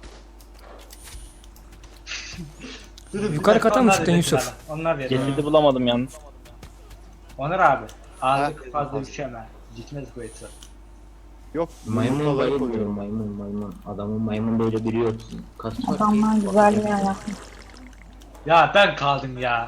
[SPEAKER 2] Durun,
[SPEAKER 1] Yukarı
[SPEAKER 2] bir dakika,
[SPEAKER 1] kata mı
[SPEAKER 2] onlar
[SPEAKER 1] çıktın
[SPEAKER 2] verecek
[SPEAKER 1] Yusuf?
[SPEAKER 2] bana. Onlar verecek.
[SPEAKER 6] Cesedi bulamadım yalnız.
[SPEAKER 2] Onur abi. Ağırlık
[SPEAKER 3] Ha?
[SPEAKER 2] fazla düşemez. Gitmez bu eti.
[SPEAKER 3] Yok.
[SPEAKER 5] Maymun
[SPEAKER 3] yumurtaları
[SPEAKER 5] bayılmıyor
[SPEAKER 3] koyuyorum.
[SPEAKER 5] maymun. Adamın maymun böyle biri yok. Kas var.
[SPEAKER 9] Adamlar güzel bir yer yapmış.
[SPEAKER 2] Ya ben kaldım ya.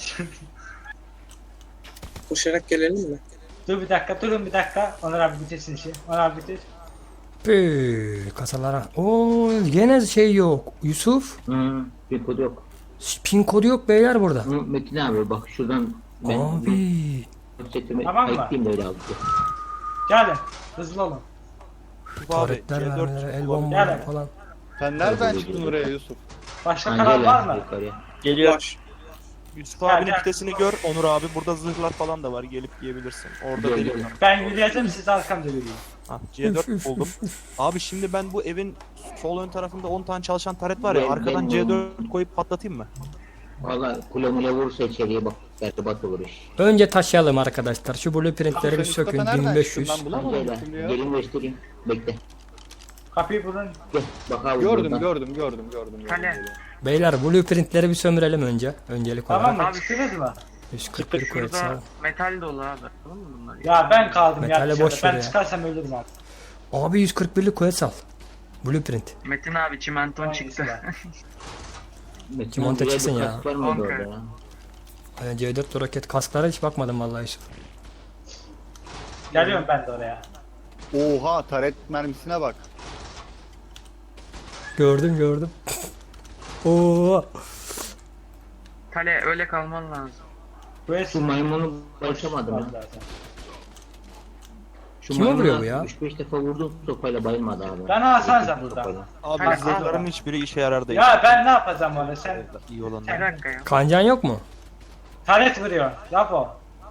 [SPEAKER 7] Koşarak gelelim mi?
[SPEAKER 2] Dur bir dakika, durun bir dakika. Onur abi bitirsin işi. Onur abi bitir.
[SPEAKER 1] Kasalara. Oo gene şey yok. Yusuf.
[SPEAKER 5] Bir kod yok.
[SPEAKER 1] Pin kodu yok beyler burada.
[SPEAKER 5] Metin abi bak şuradan ben
[SPEAKER 1] Abi.
[SPEAKER 5] setimi
[SPEAKER 2] Tamam mı?
[SPEAKER 5] ayıklayayım da öyle aldım.
[SPEAKER 2] Gelin. Hızlı olun.
[SPEAKER 1] Taretler vermeleri, el
[SPEAKER 2] Gel.
[SPEAKER 1] bombaları falan.
[SPEAKER 3] Sen nereden çıktın oraya Yusuf?
[SPEAKER 2] Başka
[SPEAKER 5] Ha,
[SPEAKER 2] kanal
[SPEAKER 5] gel
[SPEAKER 2] var
[SPEAKER 5] lan
[SPEAKER 2] mı?
[SPEAKER 5] yukarıya.
[SPEAKER 6] Geliyor.
[SPEAKER 7] Var.
[SPEAKER 6] Yusuf
[SPEAKER 2] Gel,
[SPEAKER 6] abinin
[SPEAKER 2] gel.
[SPEAKER 6] pitesini gör Onur abi. Burada zırhlar falan da var. Gelip yiyebilirsin. Orada
[SPEAKER 5] Gel,
[SPEAKER 6] delik
[SPEAKER 5] gel.
[SPEAKER 6] var.
[SPEAKER 2] Ben yürüyeceğim, siz arkamda yürüyün.
[SPEAKER 6] Ha,
[SPEAKER 1] Üf,
[SPEAKER 6] C4
[SPEAKER 1] üf,
[SPEAKER 6] buldum. Abi şimdi ben bu evin sol ön tarafında 10 tane çalışan taret var ya.
[SPEAKER 5] Ben-
[SPEAKER 6] Arkadan
[SPEAKER 5] ben-
[SPEAKER 6] C4 koyup patlatayım mı?
[SPEAKER 5] Valla kule mule vurursa içeriye bak. Berbat olur iş.
[SPEAKER 1] Önce taşıyalım arkadaşlar. Şu blueprintleri
[SPEAKER 3] Sen
[SPEAKER 1] bir
[SPEAKER 3] Mustafa
[SPEAKER 1] sökün.
[SPEAKER 3] nereden
[SPEAKER 1] 1500.
[SPEAKER 3] çıktın? Ben bulamadım
[SPEAKER 5] Gel
[SPEAKER 3] şimdi ya.
[SPEAKER 5] lan. Gelin göstereyim. Bekle.
[SPEAKER 2] Kapıyı bulun.
[SPEAKER 5] Gel. Bak abi
[SPEAKER 3] Gördüm
[SPEAKER 5] buradan.
[SPEAKER 3] gördüm.
[SPEAKER 8] Hani?
[SPEAKER 1] Beyler blueprintleri bir sömürelim önce. Öncelik
[SPEAKER 2] Tamam
[SPEAKER 1] olarak.
[SPEAKER 2] mı? Çıktınız mı?
[SPEAKER 1] 141 kuvvet
[SPEAKER 8] Şurada
[SPEAKER 1] sağ.
[SPEAKER 8] metal dolu abi. Tamam mı bunlar?
[SPEAKER 2] Ya ben kaldım ya
[SPEAKER 1] Metale
[SPEAKER 2] dışarıda.
[SPEAKER 1] boş ver
[SPEAKER 2] Ben
[SPEAKER 1] ya.
[SPEAKER 2] çıkarsam ölürüm abi.
[SPEAKER 1] Abi 141'lik kuvvet sal. Blueprint.
[SPEAKER 8] Metin abi çimenton
[SPEAKER 2] Hangisi
[SPEAKER 8] çıktı.
[SPEAKER 2] var?
[SPEAKER 5] Metin
[SPEAKER 1] Kimonte
[SPEAKER 5] abi,
[SPEAKER 1] çıksın
[SPEAKER 5] bir
[SPEAKER 1] ya.
[SPEAKER 5] kask var mıydı
[SPEAKER 8] Okey.
[SPEAKER 5] orada ya?
[SPEAKER 1] C4 roket kasklara hiç bakmadım vallahi Yusuf.
[SPEAKER 2] Geliyorum ben de oraya.
[SPEAKER 3] Oha taret mermisine bak.
[SPEAKER 1] Gördüm. Oo.
[SPEAKER 8] Kale öyle kalman lazım.
[SPEAKER 2] Bu es
[SPEAKER 5] Şu maymunu başlamadım ya.
[SPEAKER 2] zaten.
[SPEAKER 5] Şu
[SPEAKER 1] Kime vuruyor
[SPEAKER 5] maymuna
[SPEAKER 1] bu ya?
[SPEAKER 5] 3-5 defa vurdum sopayla bayılmadı abi.
[SPEAKER 2] Ben alsanıza buradan.
[SPEAKER 5] Sopayla.
[SPEAKER 6] Abi
[SPEAKER 2] Tamam,
[SPEAKER 6] zırhların
[SPEAKER 2] tamam.
[SPEAKER 6] hiçbiri işe yarar değil.
[SPEAKER 2] Ya ben ne yapacağım orada sen?
[SPEAKER 6] İyi
[SPEAKER 8] Bir
[SPEAKER 6] olanlar.
[SPEAKER 8] dakika ya.
[SPEAKER 1] Kancan yok mu?
[SPEAKER 2] Taret vuruyor. Yap o.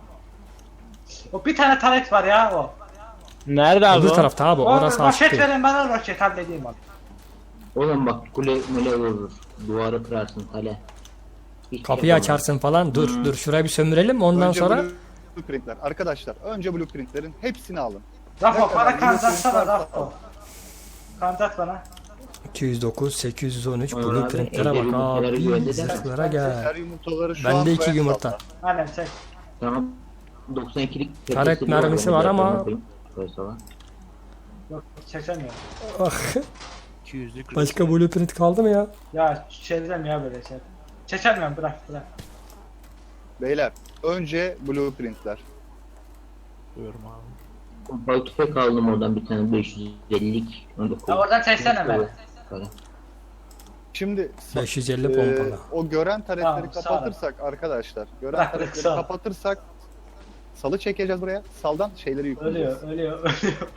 [SPEAKER 2] O bir tane taret var ya o.
[SPEAKER 6] Nerede
[SPEAKER 1] Öbür tarafta abi orası açık
[SPEAKER 2] roket
[SPEAKER 1] değil.
[SPEAKER 2] verin bana roket halledeyim onu.
[SPEAKER 5] Oğlum bak kule mule vurur. Duvarı kırarsın kale. Hiç
[SPEAKER 1] Kapıyı
[SPEAKER 5] yapamam.
[SPEAKER 1] açarsın falan. Dur şurayı bir sömürelim ondan
[SPEAKER 3] Önce
[SPEAKER 1] sonra
[SPEAKER 3] blueprintler. Arkadaşlar önce blueprintlerin hepsini alın.
[SPEAKER 2] Rafo
[SPEAKER 3] Ne
[SPEAKER 2] bana
[SPEAKER 3] kadar
[SPEAKER 2] kandatsana
[SPEAKER 3] blueprint varsa
[SPEAKER 2] Rafo. Kandat bana.
[SPEAKER 1] 209 813
[SPEAKER 5] Onur abi,
[SPEAKER 1] blueprintlere
[SPEAKER 5] elde
[SPEAKER 1] bak
[SPEAKER 5] yumurtaları
[SPEAKER 1] abi.
[SPEAKER 5] güvende de.
[SPEAKER 1] Zırhlara gel.
[SPEAKER 3] Her yumurtaları şu an
[SPEAKER 1] Bende 2
[SPEAKER 3] quest
[SPEAKER 1] yumurta.
[SPEAKER 3] altta.
[SPEAKER 2] Aynen çek.
[SPEAKER 5] Tamam. 92'lik
[SPEAKER 1] Taret
[SPEAKER 5] tepesi
[SPEAKER 1] mermisi
[SPEAKER 5] onu
[SPEAKER 1] var
[SPEAKER 5] da
[SPEAKER 1] ama-
[SPEAKER 5] yapayım. Mesela.
[SPEAKER 2] Yok çekemiyorum.
[SPEAKER 1] Ah,
[SPEAKER 6] 200'lük
[SPEAKER 1] başka blueprint kaldı mı ya?
[SPEAKER 2] Ya çevireceğim ya böyle şey. Çekemiyorum bırak.
[SPEAKER 3] Beyler önce blueprintler.
[SPEAKER 6] diyorum abi.
[SPEAKER 5] Bal tüfek aldım oradan bir tane 550'lik. Onu da
[SPEAKER 2] Ya
[SPEAKER 5] koydum.
[SPEAKER 2] oradan çeksene beni.
[SPEAKER 5] Kale.
[SPEAKER 3] Şimdi
[SPEAKER 1] 550 pompalı.
[SPEAKER 3] o gören taretleri
[SPEAKER 2] Tamam, sağ ol.
[SPEAKER 3] kapatırsak arkadaşlar, gören
[SPEAKER 2] Bırak,
[SPEAKER 3] taretleri
[SPEAKER 2] sağ ol.
[SPEAKER 3] kapatırsak salı çekeceğiz buraya. Saldan şeyleri yükleyeceğiz.
[SPEAKER 2] Ölüyor.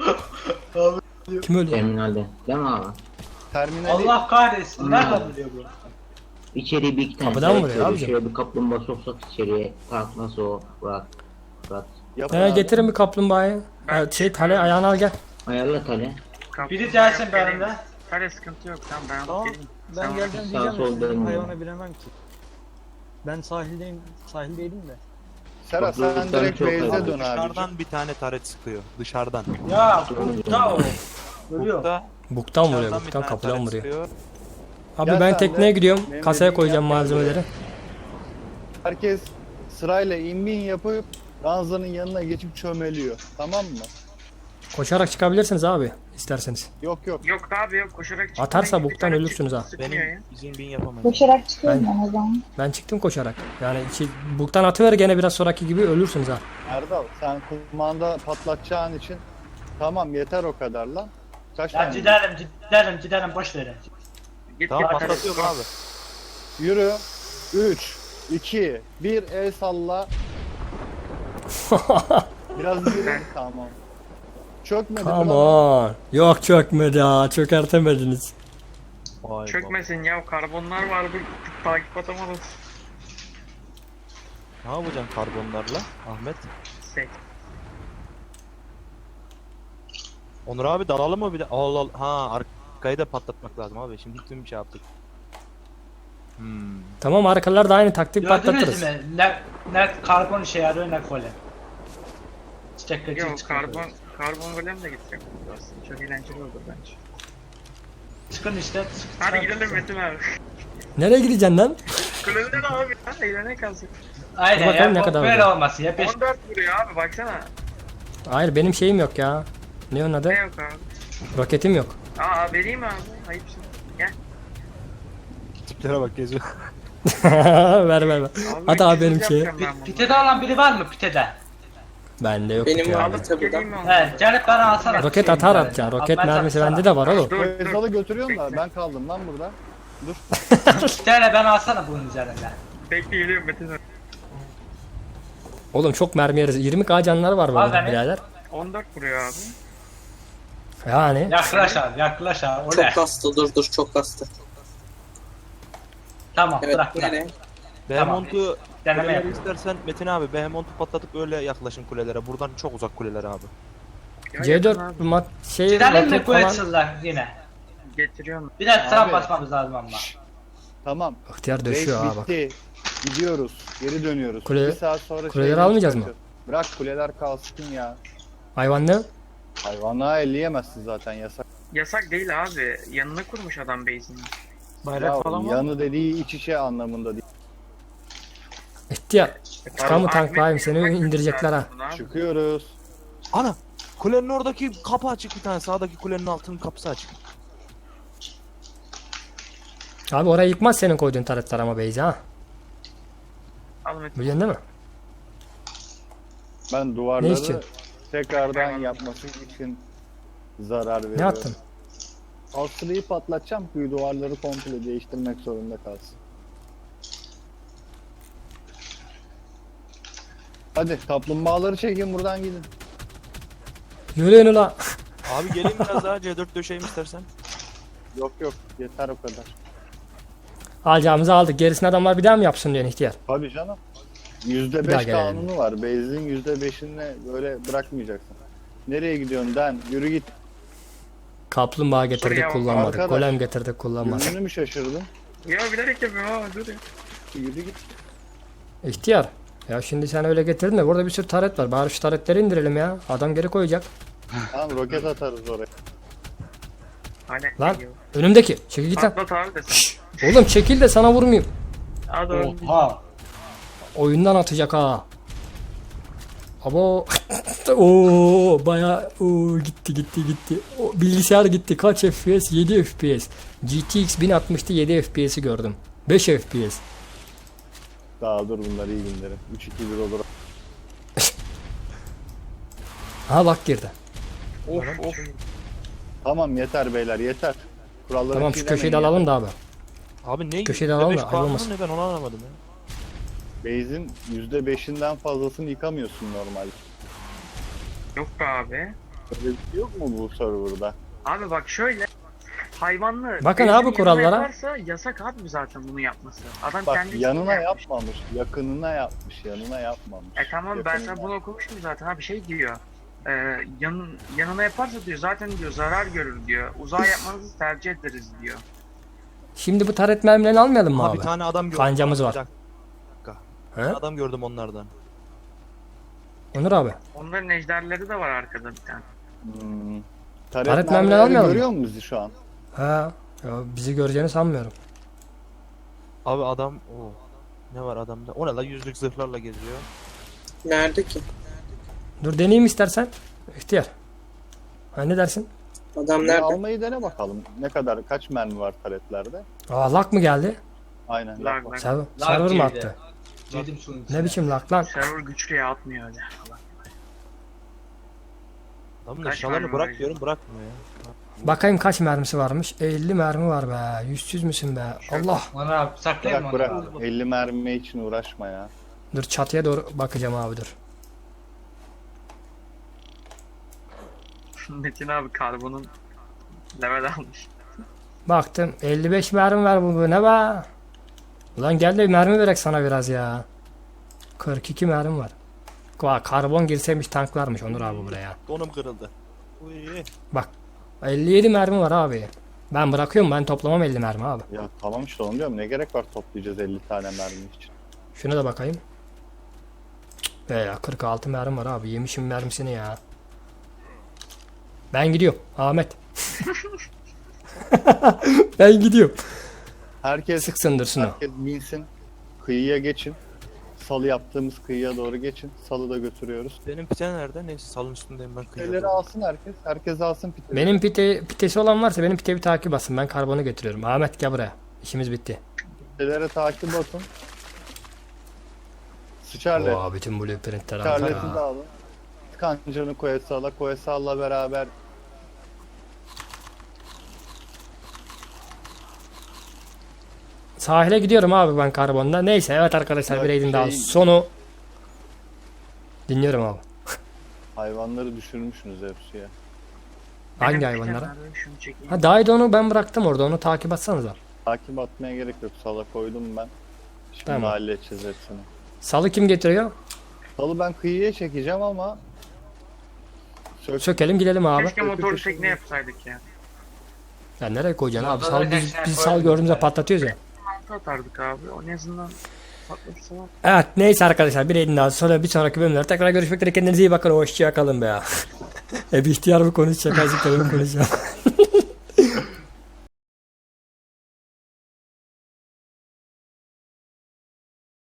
[SPEAKER 1] Kim ölüyor?
[SPEAKER 5] Terminalde. Değil mi abi?
[SPEAKER 3] Terminali
[SPEAKER 2] Allah kahretsin. Nereden biliyor bu?
[SPEAKER 5] İçeriye bir iki tane
[SPEAKER 1] Kapıdan mı
[SPEAKER 5] taret
[SPEAKER 1] vuruyor
[SPEAKER 5] koyuyor.
[SPEAKER 1] abicim?
[SPEAKER 5] Şöyle bir kaplumbağa soksak içeriye. Kalk nasıl o? Rahat. Rahat.
[SPEAKER 3] yapın abi.
[SPEAKER 1] Getirin bir kaplumbağayı. Tale ayağını al gel.
[SPEAKER 5] Ayarla tale.
[SPEAKER 2] Biri gelsin benimle.
[SPEAKER 8] Kale sıkıntı yok tamam ben
[SPEAKER 4] Tamam.
[SPEAKER 8] alıp geleyim.
[SPEAKER 4] Ben
[SPEAKER 8] Sen
[SPEAKER 4] geleceğim
[SPEAKER 5] sağ
[SPEAKER 4] diyeceğim
[SPEAKER 5] sol
[SPEAKER 4] de sizin
[SPEAKER 5] dönmüyor.
[SPEAKER 4] hayvana bilemem ki. Ben sahildeydim de.
[SPEAKER 3] Serhat sen
[SPEAKER 5] Kapıdan
[SPEAKER 3] direkt
[SPEAKER 5] çok
[SPEAKER 3] base'e
[SPEAKER 5] abi.
[SPEAKER 3] dön abi.
[SPEAKER 6] Dışarıdan bir tane taret sıkıyor. Dışarıdan.
[SPEAKER 2] Ya burada o. Ölüyor.
[SPEAKER 6] Bukta
[SPEAKER 1] Buktan vuruyor.
[SPEAKER 6] dışarıdan bir
[SPEAKER 1] Buktan
[SPEAKER 6] tane
[SPEAKER 1] kapıdan
[SPEAKER 6] taret
[SPEAKER 1] vuruyor.
[SPEAKER 6] sıkıyor.
[SPEAKER 1] Abi
[SPEAKER 3] Gel
[SPEAKER 1] ben
[SPEAKER 3] sen de.
[SPEAKER 1] tekneye gidiyorum.
[SPEAKER 3] Benim
[SPEAKER 1] Kasaya
[SPEAKER 3] dediğimi
[SPEAKER 1] koyacağım
[SPEAKER 3] yap, gel
[SPEAKER 1] malzemeleri.
[SPEAKER 3] Herkes sırayla inbin yapıp ranzanın yanına geçip çömeliyor. Tamam mı?
[SPEAKER 1] Koşarak çıkabilirsiniz abi isterseniz.
[SPEAKER 3] Yok.
[SPEAKER 8] Yok abi yok koşarak çıkmayın.
[SPEAKER 1] Atarsa
[SPEAKER 8] Bir
[SPEAKER 1] buktan
[SPEAKER 8] tane
[SPEAKER 1] ölürsünüz ha.
[SPEAKER 8] sıkmıyor ya.
[SPEAKER 6] Benim bizim bin yapamayız.
[SPEAKER 9] Koşarak çıkıyorum ben o zaman.
[SPEAKER 1] Ben çıktım koşarak. Yani buktan atıver gene biraz sonraki gibi ölürsünüz ha.
[SPEAKER 3] Erdal sen kumanda patlatacağın için tamam yeter o kadar lan. Kaç
[SPEAKER 2] Ya
[SPEAKER 3] tane?
[SPEAKER 2] gidelim boş verin.
[SPEAKER 8] Git
[SPEAKER 6] Tamam
[SPEAKER 8] git
[SPEAKER 6] patlatıyorum abi.
[SPEAKER 3] Yürü. 3, 2, 1 el salla. Biraz yürü. Tamam. Çökmedi.
[SPEAKER 1] Come
[SPEAKER 3] falan.
[SPEAKER 1] on. Yok çökmedi ha. Çökertemediniz.
[SPEAKER 6] Vay
[SPEAKER 8] Çökmesin ya karbonlar var bu takip atamadım.
[SPEAKER 6] Ne yapacaksın karbonlarla Ahmet?
[SPEAKER 8] Sek.
[SPEAKER 6] Onur abi dalalım mı bir de? Allah Allah. Ha arkayı da patlatmak lazım abi. Şimdi tüm bir şey yaptık.
[SPEAKER 1] Tamam, arkalarda aynı taktik
[SPEAKER 2] Gördünüz
[SPEAKER 1] patlatırız.
[SPEAKER 2] mü? Ne karbon işe yarıyor ne golem. Çiçek kaçır
[SPEAKER 8] Yok
[SPEAKER 2] çıkıyor.
[SPEAKER 8] karbon golem de gidecek aslında. Çok eğlenceli olur bence.
[SPEAKER 2] Çıkın işte.
[SPEAKER 8] Hadi gidelim Metin abi.
[SPEAKER 1] Nereye gideceksin lan?
[SPEAKER 8] Kulübüden abi ya. Eğlene kalsın.
[SPEAKER 2] Aynen
[SPEAKER 1] Dur bakalım
[SPEAKER 2] ya.
[SPEAKER 1] ne kadar
[SPEAKER 2] Böyle
[SPEAKER 1] oldu.
[SPEAKER 2] olması ya.
[SPEAKER 8] 14 vuruyor abi baksana.
[SPEAKER 1] Hayır, benim şeyim yok ya. Ne onun adı?
[SPEAKER 8] Ne yok abi.
[SPEAKER 1] Roketim yok.
[SPEAKER 8] Aa vereyim abi. Ayıpsın. Gel.
[SPEAKER 6] Tiplere bak geziyor.
[SPEAKER 1] ver. At abi benim şeyi.
[SPEAKER 2] Pitede olan biri var mı pitede?
[SPEAKER 1] Bende yok
[SPEAKER 7] Benim
[SPEAKER 1] ya.
[SPEAKER 7] vardı tabii
[SPEAKER 8] Geleyim mi
[SPEAKER 7] da.
[SPEAKER 8] onu?
[SPEAKER 2] He, gelip bana alsana.
[SPEAKER 1] Roket
[SPEAKER 2] Şeyin
[SPEAKER 1] atar
[SPEAKER 2] üzerine.
[SPEAKER 1] atacaksın. Roket
[SPEAKER 2] Atmaya
[SPEAKER 1] mermisi
[SPEAKER 2] çalışsana.
[SPEAKER 1] bende de var oğlum.
[SPEAKER 8] Dur dur.
[SPEAKER 3] Feysal'ı götürüyorsun da ben kaldım lan burada. Dur.
[SPEAKER 2] Bir tane ben alsana bunun üzerinde.
[SPEAKER 8] Bekle geliyorum Metin abi.
[SPEAKER 1] Oğlum çok mermi yeriz. 20k canları var
[SPEAKER 2] Al
[SPEAKER 1] burada
[SPEAKER 2] beni.
[SPEAKER 1] birader.
[SPEAKER 8] 14 vuruyor abi.
[SPEAKER 1] Yani.
[SPEAKER 2] Yaklaş abi. O
[SPEAKER 7] Çok
[SPEAKER 2] ne?
[SPEAKER 7] kastı, dur çok kastı.
[SPEAKER 2] Tamam
[SPEAKER 7] Evet,
[SPEAKER 2] bırak.
[SPEAKER 7] nereye?
[SPEAKER 6] Behemont'u
[SPEAKER 2] Deneme
[SPEAKER 6] kuleleri
[SPEAKER 2] yapayım.
[SPEAKER 6] istersen Metin abi Behemont'u patlatıp öyle yaklaşın kulelere. Buradan çok uzak kuleler abi.
[SPEAKER 8] Ya yakın
[SPEAKER 1] C4
[SPEAKER 8] abi.
[SPEAKER 1] şey
[SPEAKER 2] Gidelim mi
[SPEAKER 1] roket falan.
[SPEAKER 2] Quetzal'lar yine?
[SPEAKER 8] Getiriyorum.
[SPEAKER 2] Bir de trap
[SPEAKER 3] Abi.
[SPEAKER 2] basmamız lazım ama.
[SPEAKER 3] Tamam.
[SPEAKER 1] İhtiyar
[SPEAKER 3] Race
[SPEAKER 1] döşüyor ha bak.
[SPEAKER 3] bitti. Gidiyoruz. Geri dönüyoruz.
[SPEAKER 1] Kule-
[SPEAKER 3] Bir saat sonra
[SPEAKER 1] kuleleri
[SPEAKER 3] şeyleri
[SPEAKER 1] almayacağız mı?
[SPEAKER 3] çıkartıyor. Bırak kuleler kalsın ya.
[SPEAKER 1] Hayvan ne?
[SPEAKER 3] Hayvanlığa elleyemezsin zaten yasak.
[SPEAKER 8] Yasak değil abi. Yanına kurmuş adam base'ini.
[SPEAKER 4] Bayrak
[SPEAKER 3] Ya,
[SPEAKER 4] falan var mı?
[SPEAKER 3] yanı dediği iç içe anlamında değil.
[SPEAKER 1] İhtiyar.
[SPEAKER 8] Pardon,
[SPEAKER 1] Çıkan mı
[SPEAKER 8] Ahmet
[SPEAKER 1] tanklayayım seni
[SPEAKER 8] Bey,
[SPEAKER 1] indirecekler ha.
[SPEAKER 8] bunu abi.
[SPEAKER 3] Çıkıyoruz.
[SPEAKER 6] Ana! Kulenin oradaki kapı açık bir tane. Sağdaki kulenin altının kapısı açık.
[SPEAKER 1] Abi orayı yıkmaz senin koyduğun taretler ama Beyza ha.
[SPEAKER 8] Al Metin.
[SPEAKER 1] Biliyorsun değil mi?
[SPEAKER 3] Ben
[SPEAKER 1] Ne
[SPEAKER 3] duvarları
[SPEAKER 1] için?
[SPEAKER 3] tekrardan yapması için zarar veriyorum.
[SPEAKER 1] Ne yaptın?
[SPEAKER 3] Asrıyı patlatacağım ki duvarları komple değiştirmek zorunda kalsın. Hadi kaplumbağaları çekin buradan gidin.
[SPEAKER 1] Yürüyün ula.
[SPEAKER 6] Abi geleyim biraz daha C4 döşeyim istersen.
[SPEAKER 3] Yok yeter o kadar.
[SPEAKER 1] Alacağımızı aldık. Gerisini adamlar bir daha mı yapsın diyorsun ihtiyar?
[SPEAKER 3] Tabii canım.
[SPEAKER 1] Bir daha
[SPEAKER 3] %5
[SPEAKER 1] gelelim.
[SPEAKER 3] kanunu var. Base'in %5'ini böyle bırakmayacaksın. Nereye gidiyorsun Den? Yürü git.
[SPEAKER 1] Kaplumbağa getirdik
[SPEAKER 8] Şuraya bak
[SPEAKER 1] kullanmadık.
[SPEAKER 3] arkadaş.
[SPEAKER 1] Golem getirdik kullanmadık.
[SPEAKER 3] Yönünü mü şaşırdın?
[SPEAKER 8] Ya bilerek yapıyorum ama dur ya.
[SPEAKER 3] Yürü git.
[SPEAKER 1] İhtiyar. Ya şimdi sen öyle getirdin de burada bir sürü taret var. Bari şu taretleri indirelim ya. Adam geri koyacak.
[SPEAKER 3] Tamam roket atarız oraya.
[SPEAKER 8] Hani
[SPEAKER 1] Lan önümdeki. Çekil git lan.
[SPEAKER 8] patlat abi de sen.
[SPEAKER 1] Oğlum çekil de sana vurmayayım.
[SPEAKER 8] Hadi oğlum.
[SPEAKER 2] Oha.
[SPEAKER 1] Oyundan atacak ha. Abo. Oo baya gitti. O, bilgisayar gitti. Kaç FPS? 7 FPS. GTX 1060'tı 7 FPS'i gördüm. 5 FPS.
[SPEAKER 3] Daha dur bunlar iyi günleri. 3-2-1 olur.
[SPEAKER 1] Ha bak girdi.
[SPEAKER 8] Of.
[SPEAKER 3] Tamam yeter beyler yeter. Kuralları
[SPEAKER 1] Tamam şu
[SPEAKER 3] çiğnemeyin
[SPEAKER 1] köşeyi de
[SPEAKER 3] ya.
[SPEAKER 1] alalım da abi.
[SPEAKER 6] Abi ne?
[SPEAKER 1] Köşeden alalım
[SPEAKER 6] %5
[SPEAKER 1] da
[SPEAKER 6] kanunu
[SPEAKER 1] ayrılmasın.
[SPEAKER 6] ne ben onu anlamadım ya.
[SPEAKER 3] Base'in %5'inden fazlasını yıkamıyorsun normalde.
[SPEAKER 8] Yok be abi.
[SPEAKER 3] Öyle bir şey yok mu bu serverda?
[SPEAKER 8] Abi bak şöyle. Hayvanlı.
[SPEAKER 1] Bakın
[SPEAKER 8] base'in
[SPEAKER 1] abi kurallara.
[SPEAKER 8] yanına yaparsa yasak abi zaten bunu yapması. Adam
[SPEAKER 3] Bak
[SPEAKER 8] kendi
[SPEAKER 3] yanına
[SPEAKER 8] içinde
[SPEAKER 3] yapmamış, yakınına yapmış, yanına yapmamış.
[SPEAKER 8] Tamam ben
[SPEAKER 3] Yakınına.
[SPEAKER 8] sana bunu okumuştum zaten abi şey diyor. Yanına yaparsa diyor zaten diyor zarar görür diyor. Uzağa yapmanızı tercih ederiz diyor.
[SPEAKER 1] Şimdi bu taret mermilerini almayalım mı
[SPEAKER 6] Aha
[SPEAKER 1] abi?
[SPEAKER 6] bir tane adam gördüm.
[SPEAKER 1] Kancamız
[SPEAKER 6] Bir
[SPEAKER 1] var.
[SPEAKER 6] dakika.
[SPEAKER 1] He?
[SPEAKER 6] Adam gördüm onlardan.
[SPEAKER 1] Onur abi.
[SPEAKER 8] Onların ejderleri de var arkada bir tane.
[SPEAKER 3] Hmm.
[SPEAKER 1] Taret
[SPEAKER 3] Taret
[SPEAKER 1] mermileri
[SPEAKER 3] mermileri
[SPEAKER 1] almayalım
[SPEAKER 3] görüyor musun bizi şu an?
[SPEAKER 1] Ha. Ya bizi göreceğini sanmıyorum.
[SPEAKER 6] Abi adam o. Ne var adamda? O ne la yüzlük zırhlarla geziyor.
[SPEAKER 7] Nerede ki?
[SPEAKER 1] Dur deneyeyim istersen. İhtiyar. Ha ne dersin?
[SPEAKER 7] Adam
[SPEAKER 3] Bir
[SPEAKER 7] nerede?
[SPEAKER 3] almayı dene bakalım. Ne kadar, kaç mermi var taretlerde?
[SPEAKER 1] Aa lak mı geldi?
[SPEAKER 3] Aynen.
[SPEAKER 8] Lag
[SPEAKER 3] bak.
[SPEAKER 8] lag.
[SPEAKER 1] Server mı
[SPEAKER 2] girdi.
[SPEAKER 1] attı?
[SPEAKER 2] Girdim şunun içine.
[SPEAKER 1] Ne biçim lak lan?
[SPEAKER 8] Server güçlüye atmıyor öyle falan.
[SPEAKER 6] Adamın
[SPEAKER 8] Kaç
[SPEAKER 6] eşyalarını
[SPEAKER 8] mermi
[SPEAKER 6] bırak
[SPEAKER 8] var?
[SPEAKER 6] diyorum bırakmıyor ya.
[SPEAKER 1] Bakayım kaç mermisi varmış. 50 mermi var be. Yüzsüz müsün be? Allah.
[SPEAKER 2] Onur abi saklayayım mı
[SPEAKER 3] Bırak
[SPEAKER 2] onu?
[SPEAKER 3] bırak. 50 mermi için uğraşma ya.
[SPEAKER 1] Dur çatıya doğru bakacağım abi dur.
[SPEAKER 8] Metin abi karbonun level almış.
[SPEAKER 1] Baktım 55 mermi var bu ne be? Ulan gel de mermi verek sana biraz ya. 42 mermi var. Karbon girseymiş tanklarmış Onur abi buraya.
[SPEAKER 6] Donum kırıldı. Uy.
[SPEAKER 1] Bak 57 mermi var abi. Ben bırakıyorum, ben toplamam 50 mermi abi.
[SPEAKER 3] Ya tamam işte onu diyorum. Ne gerek var toplayacağız 50 tane mermi için.
[SPEAKER 1] Şuna da bakayım. Ya 46 mermi var abi. Yemişim mermisini ya. Ben gidiyorum Ahmet. Ben gidiyorum.
[SPEAKER 3] Herkes
[SPEAKER 1] Sık sındırsın o.
[SPEAKER 3] herkes binsin. Kıyıya geçin. Salı yaptığımız kıyıya doğru geçin. Salı da götürüyoruz.
[SPEAKER 6] Benim pite nerede? Neyse salın üstündeyim ben
[SPEAKER 3] Piteleri
[SPEAKER 6] kıyıda.
[SPEAKER 3] alsın herkes. Herkes alsın piteleri.
[SPEAKER 1] Benim pitesi olan varsa benim piteyi bir takip basın. Ben karbonu götürüyorum. Ahmet gel buraya. İşimiz bitti.
[SPEAKER 3] Pitelere takip atın. Sıçarlet.
[SPEAKER 1] Oo, bütün blueprintler
[SPEAKER 3] Sıçarlet'i de
[SPEAKER 1] aldı.
[SPEAKER 3] alın. Kancanı Koyasal'a. Koyasal'la beraber
[SPEAKER 1] Sahile gidiyorum abi ben karbonda. Neyse evet arkadaşlar, bir
[SPEAKER 3] Ya
[SPEAKER 1] raid'in daha
[SPEAKER 3] şey-
[SPEAKER 1] sonu. Dinliyorum abi.
[SPEAKER 3] hayvanları düşürmüşsünüz hepsi ya.
[SPEAKER 1] Hangi
[SPEAKER 8] Benim
[SPEAKER 1] hayvanlara?
[SPEAKER 8] bir tane şunu çekeyim.
[SPEAKER 1] Ha Daidon'u ben bıraktım orada, onu takip atsanıza.
[SPEAKER 3] Takip atmaya gerek yok. Sala koydum ben. Şimdi
[SPEAKER 1] Tamam.
[SPEAKER 3] halledeceğiz hepsini.
[SPEAKER 1] Salı kim getiriyor?
[SPEAKER 3] Salı ben kıyıya çekeceğim ama
[SPEAKER 1] Sökelim gidelim abi.
[SPEAKER 8] Keşke motorlu tekne yapsaydık ya.
[SPEAKER 1] Ya nereye koyacaksın abi?
[SPEAKER 2] Orada
[SPEAKER 1] Sal,
[SPEAKER 2] da
[SPEAKER 1] biz
[SPEAKER 2] geçen
[SPEAKER 1] sal
[SPEAKER 2] koydum
[SPEAKER 1] gördüğümüzde
[SPEAKER 2] ben.
[SPEAKER 1] patlatıyoruz ya.
[SPEAKER 8] Altı atardık abi. O en azından patlatırsa.
[SPEAKER 1] Evet neyse arkadaşlar, bir raid'in daha sonra bir sonraki bölümlerde tekrar görüşmek üzere. Kendinize iyi bakın. Hoşça kalın be ya. Bir ihtiyar mı konuşacak? Azıcık da benim konuşacağım.